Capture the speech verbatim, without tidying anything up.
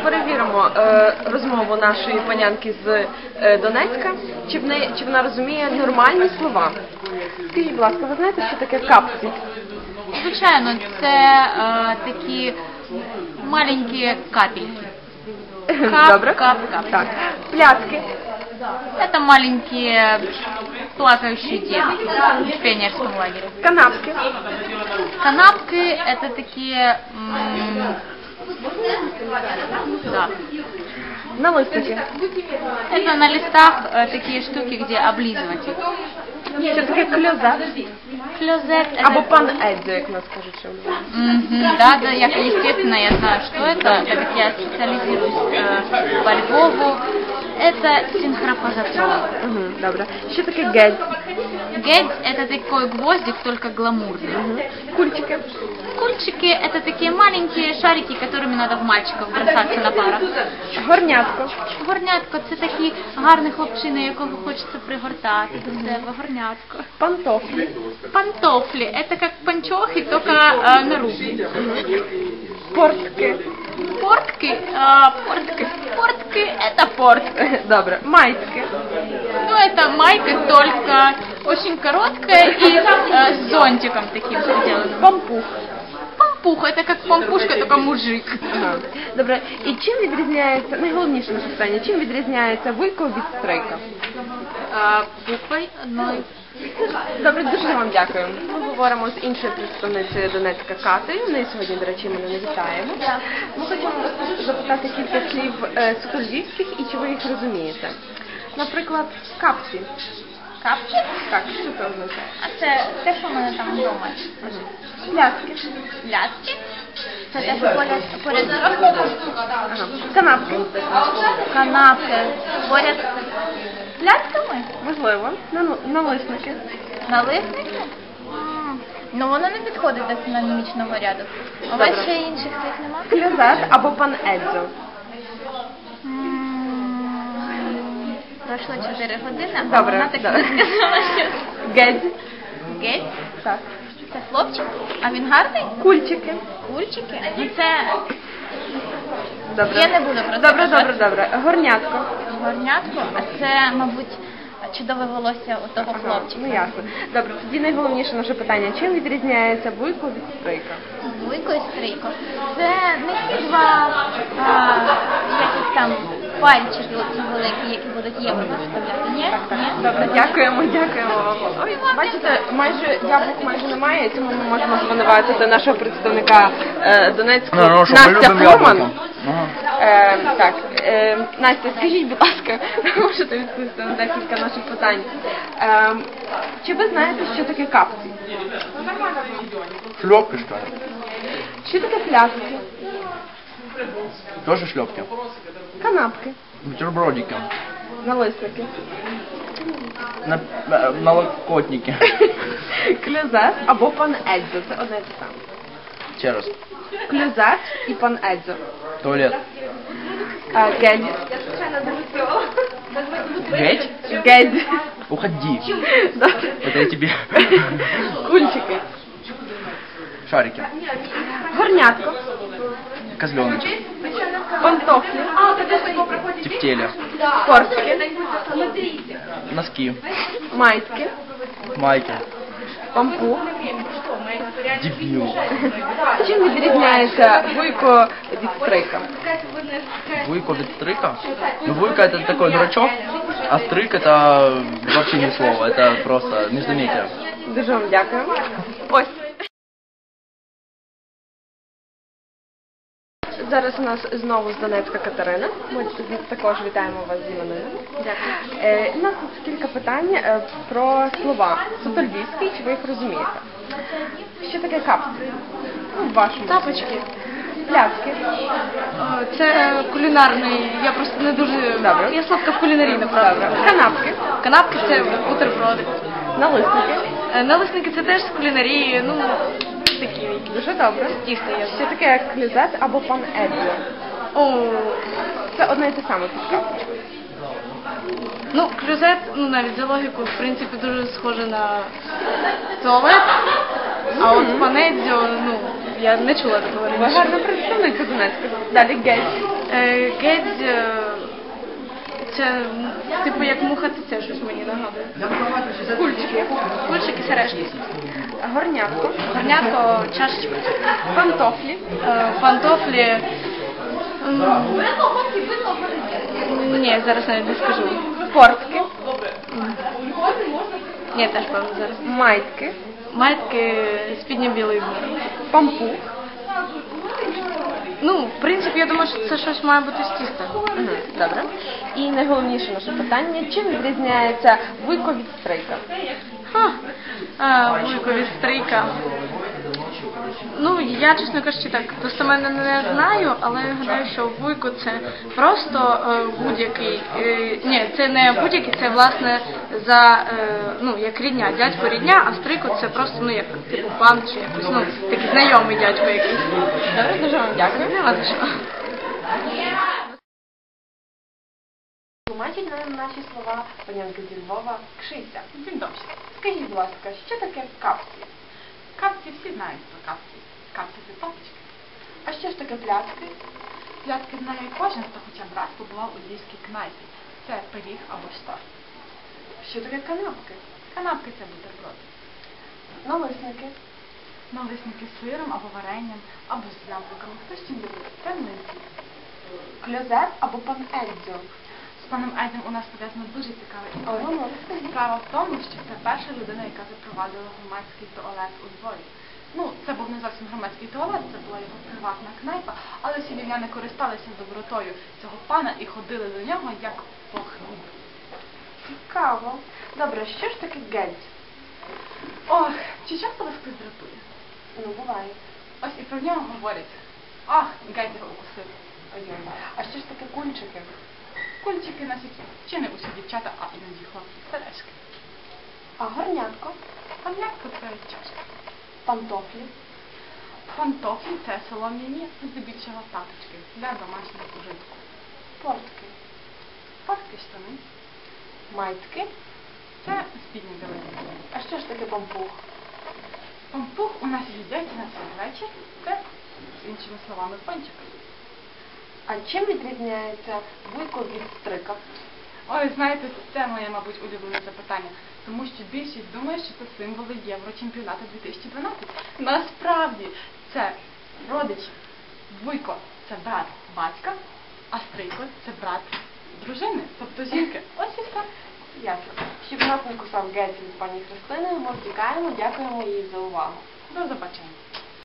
перевіримо е, розмову нашої панянки з е, Донецька, чи, в неї, чи вона розуміє нормальні слова. Скажіть, будь ласка, ви знаєте, що таке капці? Звичайно, це е, такі маленькі капельки. Кап, Добре. кап, кап. Так. Пляцки. Это маленькие плакающие дети в пионерском лагере. Канапки. Канапки — это такие, м, да, Налисники. это на листах э, такие штуки, где облизывать их. Що таке кльозет? Клозет — Або это... пан Едзо, як нас кажуть, що Мгм, да, да, я, естественно, я знаю, что это, так как я специализируюсь э, по Львову. Это синхропозатрон. Угу, добре. Що таке гедь? Гедь — это такой гвоздик, только гламурный. Угу. Кульчики. Кульчики — это такие маленькие шарики, которыми надо в мальчиков бросаться на парах. Горнятко. Горнятко — це такі гарні хлопчини, якого хочеться пригортати до себе. Горнятко. Пантофлі. Пантофлі — это как панчохи, только э, на руки. Портки. Портки, э, портки, портки — это портки. Добре. Майськи. Ну, это майка, только очень короткая и э, с зонтиком таким сделана. Пампух. Пампух — это как пампушка, только мужик. Ага. Добре. І чим відрізняється, найголовніше наше питання, чим відрізняється вуйко від стрейка? А, буквой одной. Добре, дуже вам дякую. Ми говоримо з іншою представницею Донецька Катею. В неї сьогодні, до речі, ми не вітаємо. Ми хочемо запитати кілька слів е, суто-львівських і чи ви їх розумієте. Наприклад, капці. Капки? Так, що це означає? А це те, що в мене там вдома. Пляцки. Ляски? Це те, що поряд, поряд з рахунком. Ага. Канапки. Канапки. Поряд з лясками? Можливо. Нану- Налисники. Налисники? М, Ну, воно не підходить до синонімічного ряду. У вас Добре. ще інших цих нема? Кльозет або пан Едзо. М, Пройшло чотири години, а Добре, вона так добре. не сказала, що... Гедь. Геть? Так. Це хлопчик? А він гарний? Кульчики. Кульчики? Ну це Добре. Я не буду про це Добре, казати. добре, добре. Горнятко. горнятко, а це, мабуть, чудове волосся у того Ага, хлопчика. ну ясно. Добре, тоді найголовніше наше питання. Чим відрізняється вуйко від стрийка? Вуйко і стрийко. Це не ті два а, якісь там пальчики оці великі, які будуть євро виставляти. Ні? Ні? Добре, дякуємо, дякуємо вам. Ой, бачите, майже яблук майже немає, тому ми можемо звинуватити нашого представника е, Донецького, Ну, ну, що, ми Настя любимо Фурман. яблуко. Ага. Е, так, е, Настя, скажіть, будь ласка, ви можете відповісти на декілька наших питань. Е, чи ви знаєте, що таке капці? Шлепки, что ли? Що таке пляцки? Тоже шлепки. Канапки? Бутербродики. Налисники? На, на, налокотники. Кльозет або пан Едзо, це одне і те саме. Ще раз. Кльозет і пан Едзо. Туалет. А, гедь. Геть? Гедь. Уходи. Добре. Это я тебе. Кульчики. Шарики. Горнятко. Козленочек. Пантофлі. Тефтели. Портки. Носки. Майськи. Майки. Пампух. Дебил. Чим відрізняється вуйко від стрика? Вуйко від стрика? Ну, вуйка это такой дурачок, а стрик это вообще не слово, это просто междометие. Дуже вам дякую. Ось. Зараз у нас знову з Донецька Катерина. Ми також вітаємо вас з іменинами. Дякую. Е, у нас тут кілька питань е, про слова. Суто львівські, чи ви їх розумієте? Що таке капці? Ну, в вашому. Тапочки. Пляцки. Це кулінарний, я просто не дуже... Добре. Я слабка в кулінарії, Добре. направду. Канапки. Канапки – це бутерброди. Налисники. Е, Налисники – це теж з кулінарії, ну, такі які. Дуже добре. Тісто є. Що таке клюзет або пан Едзо? О, Це одне і те саме. ну, клюзет, ну, навіть за логіку, в принципі, дуже схоже на туалет, а от панедзьо, ну, я не чула такого Ви раніше. гарна представниця Донецька. Далі геть. Е, Геть, е, це м, типу як муха це щось мені нагадує. Кульчики. Кульчики, сережки. Горнятко. Горнятко, чашечка. Пантофлі. Е, Пантофлі. м, Ні, зараз навіть не скажу. Портки. Ні, теж певно зараз. Майтки. Маєтки спідня білої. Пампух. Ну, в принципі, я думаю, що це щось має бути з тіста. Мгм, Добре. І найголовніше наше питання, чим відрізняється вуйко від стрийка? Ха. А, вуйко від стрийка. Ну, я, чесно кажучи, так достеменно не знаю, але я гадаю, що вуйко це просто е, будь-який, е, ні, це не будь-який, це власне за, е, ну, як рідня, дядько рідня, а стрийко це просто, ну, як, типу, пан чи якось, ну, такий знайомий дядько якийсь. Добре, дуже вам дякую. А за що? Тлумачить нам наші слова панянки зі Львова Кшиця. Dzień dobry. Скажіть, будь ласка, що таке капці? Kapki всі знають про капки. Капки це папочки. А що ж таке пляцки? Пляцки знає кожен, хто хоча б раз побував у львівській кнайпі. Це пиріг або штор. Що таке канапки? Канапки це бутерброди. Налисники. Налисники з сиром або варенням, або з яблуками. Хто з чим любить? Це млинці. Кльозет або пан Едзьо. З паном Едем у нас пов'язано дуже цікаве О, історія. ну, розкажіть. Справа в тому, що це перша людина, яка запровадила громадський туалет у Львові. Ну, це був не зовсім громадський туалет, це була його приватна кнайпа, але всі львів'яни користалися добротою цього пана і ходили до нього як по хліб. Цікаво. Добре, що ж таке геть? Ох, чи часто вас хтось дратує? Ну, буває. Ось і про нього говорять. Ах, геть його укусив. Ой-ой. А що ж таке кульчики? Кульчики на сіті. Чи не усі дівчата, а іноді хлопці. Сережки. А горнятко? Пам'ятка це чашка. Пантофлі. Пантофлі – це солом'яні, здебільшого таточки для домашнього ужитку. Портки. Портки штани – Майтки. – це спідні білизни. А що ж таке пампух? Пампух у нас їдять на цей вечір. Це, іншими словами, пончик. А чим відрізняється вуйко від стрика? Ой, знаєте, це моє, мабуть, улюблене запитання. Тому що більшість думає, що це символи Єврочемпіонату дві тисячі дванадцять. Насправді, це родич. Вуйко – це брат батька, а стрийко – це брат дружини, тобто жінки. Ось і все. Ясно. Щоб нас не кусав геть від пані Христини, ми втікаємо, дякуємо їй за увагу. До побачення.